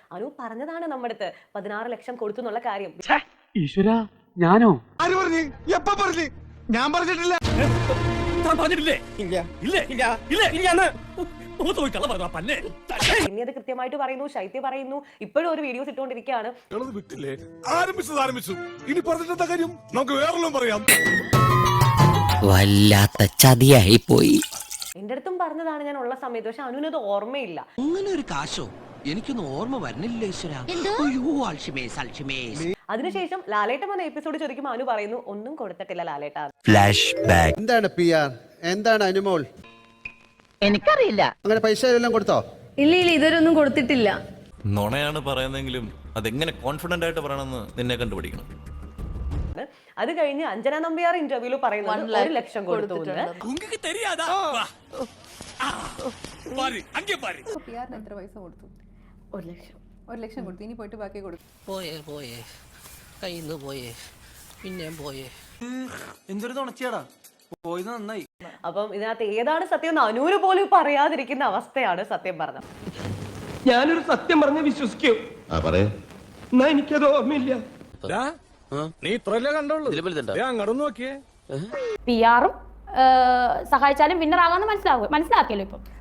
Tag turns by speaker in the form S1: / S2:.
S1: അനു പറഞ്ഞതാണ് നമ്മുടെ അടുത്ത് 16 ലക്ഷം കൊടുത്തു എന്നുള്ള കാര്യം.
S2: ഈശ്വര ഞാനോ?
S3: ആര് പറഞ്ഞു? എപ്പ പറഞ്ഞു? ഞാൻ പറഞ്ഞിട്ടില്ല.
S1: പിന്നെ അത് കൃത്യമായിട്ട് പറയുന്നു, ശൈത്യ പറയുന്നു, ഇപ്പോഴും ഒരു വീഡിയോസ് ഇട്ടുകൊണ്ടിരിക്കുകയാണ്.
S3: ആരംഭിച്ചു. ഇനി പറഞ്ഞിട്ടെന്താ കാര്യം? നമുക്ക് വേറെല്ലാം പറയാം.
S4: വല്ലാത്ത ചതിയായി പോയി.
S1: എന്റെ അടുത്തും പറഞ്ഞതാണ് ഞാൻ ഉള്ള സമയത്ത്. പക്ഷെ അനുവിനത് ഓർമ്മയില്ല.
S4: അങ്ങനെ ഒരു കാശോ എനിക്കൊന്നും ഓർമ്മ വരുന്നില്ല ഈശ്വര.
S1: അതിനുശേഷം ലാലേട്ടൻ വന്ന എപ്പിസോഡ് ചോദിക്കുമ്പോൾ അനു പറയുന്നു ഒന്നും കൊടുത്തിട്ടില്ല ലാലേട്ട.
S4: Flashback.
S5: എന്താണ് PR? എന്താണ് അനുമോൾ?
S6: എനിക്കറിയില്ല.
S5: അങ്ങനെ പൈസ എല്ലാം കൊടുത്തോ?
S6: ഇല്ല ഇതുവരൊന്നും കൊടുത്തിട്ടില്ല.
S7: നുണയാണ് പറയുന്നെങ്കിലും അതെങ്ങനെ കോൺഫിഡന്റ് ആയിട്ട് പറയണമെന്ന് നിന്നെ കണ്ടുപിടിക്കണം.
S1: അത് കഴിഞ്ഞ് അഞ്ജന നമ്പ്യാർ ഇന്റർവ്യൂല് പറയുന്നത് 1 ലക്ഷം കൊടുത്തു.
S6: എത്ര പൈസ കൊടുത്തു? 1 ലക്ഷം കൊടുത്തു. ഇനി പോയിട്ട് ബാക്കി കൊടുത്തു.
S4: പോയേ കയ്യിന്ന് പോയേ പിന്നെ പോയേ.
S2: എന്തൊരു തുണച്ചിയാടാ, പോയത് നന്നായി.
S1: അപ്പം ഇതിനകത്ത് ഏതാണ് സത്യം എന്ന് അനുവിന് പോലും പറയാതിരിക്കുന്ന അവസ്ഥയാണ് സത്യം പറഞ്ഞത്.
S2: ഞാനൊരു സത്യം പറഞ്ഞ് വിശ്വസിക്കൂ. എന്നാ എനിക്കത് ഓർമ്മയില്ല.
S3: നീ ഇത്രല്ലേ കണ്ടോളൂ. അങ്ങോട്ട് നോക്കിയേ.
S8: PR-ഉം സഹായിച്ചാലും വിന്നർ ആകാന്ന് മനസ്സിലാക്കിയല്ലോ ഇപ്പം.